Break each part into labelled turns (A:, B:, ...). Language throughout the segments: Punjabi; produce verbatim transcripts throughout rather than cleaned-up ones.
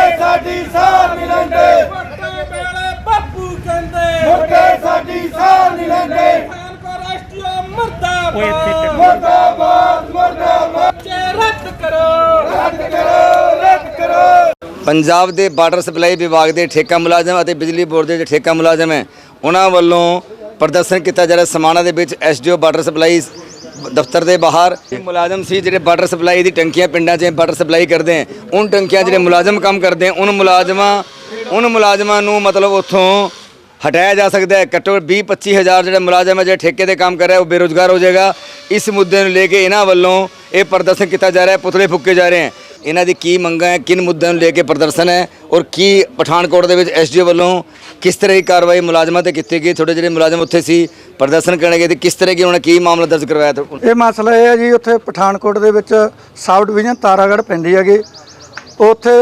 A: ਸਾਡੀ ਸਾਰ ਨਹੀਂ ਲੈਂਦੇ
B: ਵੋਟਾਂ ਵੇਲੇ ਬਾਪੂ ਕਹਿੰਦੇ
A: ਮੁਰਗੇ ਸਾਡੀ ਸਾਰ ਨਹੀਂ ਲੈਂਦੇ
B: ਪਠਾਨਕੋਟ ਰਾਸ਼ਟਰੀ ਮੁਰਦਾਬਾਦ
A: ਮੁਰਦਾਬਾਦ ਮੁਰਦਾਬਾਦ
B: ਚੇ ਰੱਦ ਕਰੋ
A: ਰੱਦ ਕਰੋ ਰੱਦ ਕਰੋ।
C: ਪੰਜਾਬ ਦੇ ਵਾਟਰ ਸਪਲਾਈ ਵਿਭਾਗ ਦੇ ਠੇਕਾ ਮੁਲਾਜ਼ਮ ਅਤੇ ਬਿਜਲੀ ਬੋਰਡ ਦੇ ਜਿਹੜੇ ਠੇਕਾ ਮੁਲਾਜ਼ਮ ਹੈ ਉਹਨਾਂ ਵੱਲੋਂ ਪ੍ਰਦਰਸ਼ਨ ਕੀਤਾ ਜਾ ਰਿਹਾ ਸਮਾਣਾ ਦੇ ਵਿੱਚ ਐਸਡੀਓ ਵਾਟਰ ਸਪਲਾਈ ਦਫ਼ਤਰ ਦੇ ਬਾਹਰ। ਮੁਲਾਜ਼ਮ ਸੀ ਜਿਹੜੇ ਵਾਟਰ ਸਪਲਾਈ ਦੀ ਟੰਕੀਆਂ ਪਿੰਡਾਂ 'ਚ ਵਾਟਰ ਸਪਲਾਈ ਕਰਦੇ ਹੈ ਉਨ ਟੰਕੀਆਂ ਜਿਹੜੇ ਮੁਲਾਜ਼ਮ ਕੰਮ ਕਰਦੇ ਹੈ ਉਨ ਮੁਲਾਜ਼ਮਾਂ ਉਨ ਮੁਲਾਜ਼ਮਾਂ ਨੂੰ ਮਤਲਬ ਉੱਥੋਂ ਹਟਾਇਆ ਜਾ ਸਕਦਾ ਹੈ। ਘੱਟੋ ਵੀਹ ਪੱਚੀ ਹਜ਼ਾਰ ਜਿਹੜੇ ਮੁਲਾਜ਼ਮ ਹੈ ਜਿਹੜੇ ਠੇਕੇ ਤੇ ਕੰਮ ਕਰ ਰਿਹਾ ਉਹ ਬੇਰੁਜ਼ਗਾਰ ਹੋ ਜਾਏਗਾ। ਇਸ ਮੁੱਦੇ ਨੂੰ ਲੈ ਕੇ ਇਹਨਾਂ ਵੱਲੋਂ ਇਹ ਪ੍ਰਦਰਸ਼ਨ ਕੀਤਾ ਜਾ ਰਿਹਾ ਹੈ, ਪੁਤਲੇ ਫੂਕੇ ਜਾ ਰਹੇ ਹਨ। ਇਹਨਾਂ ਦੀ ਕੀ ਮੰਗਾਂ ਹੈ, ਕਿਨ ਮੁੱਦਿਆਂ ਨੂੰ ਲੈ ਕੇ ਪ੍ਰਦਰਸ਼ਨ ਹੈ ਔਰ ਕੀ ਪਠਾਨਕੋਟ ਦੇ ਵਿੱਚ ਐਸਡੀਓ ਵੱਲੋਂ ਕਿਸ ਤਰ੍ਹਾਂ ਦੀ ਕਾਰਵਾਈ ਮੁਲਾਜ਼ਮਾਂ ਤੇ ਕੀਤੀ ਗਈ। ਥੋੜੇ ਜਿਹੜੇ ਮੁਲਾਜ਼ਮ ਉੱਥੇ ਸੀ ਪ੍ਰਦਰਸ਼ਨ ਕਰਨ ਗਏ ਤੇ ਕਿਸ ਤਰ੍ਹਾਂ ਕੀ ਉਹਨਾਂ ਨੇ ਕੀ ਮਾਮਲਾ ਦਰਜ ਕਰਵਾਇਆ?
D: ਇਹ ਮਸਲਾ ਇਹ ਹੈ ਜੀ, ਉੱਥੇ ਪਠਾਨਕੋਟ ਦੇ ਵਿੱਚ ਸਾਬ ਡਿਵੀਜ਼ਨ ਤਾਰਾਗੜ੍ਹ ਪੈਂਦੀ ਹੈਗੀ, ਉੱਥੇ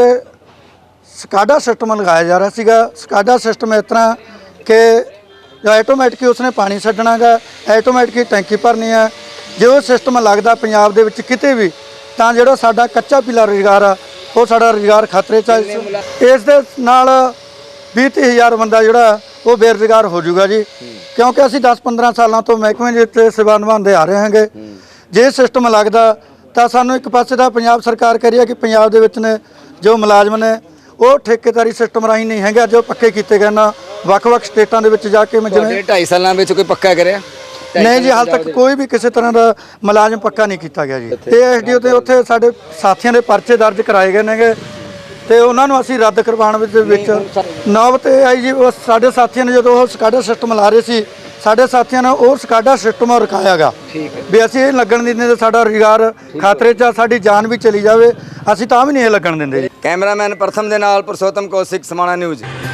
D: ਸਕਾਡਾ ਸਿਸਟਮ ਲਗਾਇਆ ਜਾ ਰਿਹਾ ਸੀਗਾ। ਸਕਾਡਾ ਸਿਸਟਮ ਇਸ ਤਰ੍ਹਾਂ ਕਿ ਜੋ ਆਟੋਮੈਟਿਕ ਉਸਨੇ ਪਾਣੀ ਛੱਡਣਾ ਗਾ, ਆਟੋਮੈਟਿਕ ਟੈਂਕੀ ਭਰਨੀ ਹੈ। ਜੇ ਉਹ ਸਿਸਟਮ ਲੱਗਦਾ ਪੰਜਾਬ ਦੇ ਵਿੱਚ ਕਿਤੇ ਵੀ ਤਾਂ ਜਿਹੜਾ ਸਾਡਾ ਕੱਚਾ ਪੀਲਾ ਰੁਜ਼ਗਾਰ ਆ ਉਹ ਸਾਡਾ ਰੁਜ਼ਗਾਰ ਖਤਰੇ 'ਚ। ਇਸ ਦੇ ਨਾਲ ਵੀਹ ਤੀਹ ਹਜ਼ਾਰ ਬੰਦਾ ਜਿਹੜਾ ਉਹ ਬੇਰੁਜ਼ਗਾਰ ਹੋ ਜਾਊਗਾ ਜੀ, ਕਿਉਂਕਿ ਅਸੀਂ ਦਸ ਪੰਦਰਾਂ ਸਾਲਾਂ ਤੋਂ ਮਹਿਕਮੇ ਦੇ ਉੱਤੇ ਸੇਵਾ ਨਿਭਾਉਂਦੇ ਆ ਰਹੇ ਹਾਂਗੇ। ਜੇ ਸਿਸਟਮ ਲੱਗਦਾ ਤਾਂ ਸਾਨੂੰ ਇੱਕ ਪਾਸੇ ਦਾ ਪੰਜਾਬ ਸਰਕਾਰ ਕਹਿ ਰਹੀ ਹੈ ਕਿ ਪੰਜਾਬ ਦੇ ਵਿੱਚ ਨੇ ਜੋ ਮੁਲਾਜ਼ਮ ਨੇ ਉਹ ਠੇਕੇਦਾਰੀ ਸਿਸਟਮ ਰਾਹੀਂ ਨਹੀਂ ਹੈਗਾ, ਜੋ ਪੱਕੇ ਕੀਤੇ ਗਏ ਨਾ ਵੱਖ-ਵੱਖ ਸਟੇਟਾਂ ਦੇ ਵਿੱਚ ਜਾ ਕੇ ਮੈਂ ਜਿਵੇਂ
C: ਢਾਈ ਸਾਲਾਂ ਵਿੱਚ ਕੋਈ ਪੱਕਾ ਕਰਿਆ
D: ਨਹੀਂ ਜੀ, ਹਾਲ ਤੱਕ ਕੋਈ ਵੀ ਕਿਸੇ ਤਰ੍ਹਾਂ ਦਾ ਮੁਲਾਜ਼ਮ ਪੱਕਾ ਨਹੀਂ ਕੀਤਾ ਗਿਆ ਜੀ। ਤੇ ਐਸਡੀਓ ਤੇ ਉੱਥੇ ਸਾਡੇ ਸਾਥੀਆਂ ਦੇ ਪਰਚੇ ਦਰਜ ਕਰਾਏ ਗਏ ਨੇਗੇ ਤੇ ਉਹਨਾਂ ਨੂੰ ਅਸੀਂ ਰੱਦ ਕਰਵਾਉਣ ਵਿੱਚ ਵਿੱਚ ਨੌਬਤ ਇਹ ਆਈ ਜੀ। ਉਹ ਸਾਡੇ ਸਾਥੀਆਂ ਨੇ ਜਦੋਂ ਉਹ ਸਕਾਡਾ ਸਿਸਟਮ ਲਾ ਰਹੇ ਸੀ, ਸਾਡੇ ਸਾਥੀਆਂ ਨੇ ਉਹ ਸਕਾਡਾ ਸਿਸਟਮ ਰੁਕਾਇਆ ਗਾ ਵੀ ਅਸੀਂ ਇਹ ਲੱਗਣ ਨਹੀਂ ਦਿੰਦੇ, ਸਾਡਾ ਰੁਜ਼ਗਾਰ ਖਤਰੇ 'ਚ, ਸਾਡੀ ਜਾਨ ਵੀ ਚਲੀ ਜਾਵੇ, ਅਸੀਂ ਤਾਂ ਵੀ ਨਹੀਂ ਇਹ ਲੱਗਣ ਦਿੰਦੇ ਜੀ।
C: ਕੈਮਰਾਮੈਨ ਪ੍ਰਥਮ ਦੇ ਨਾਲ ਪੁਰਸ਼ੋਤਮ ਕੌਸ਼ਿਕ, ਸਮਾਣਾ ਨਿਊਜ਼।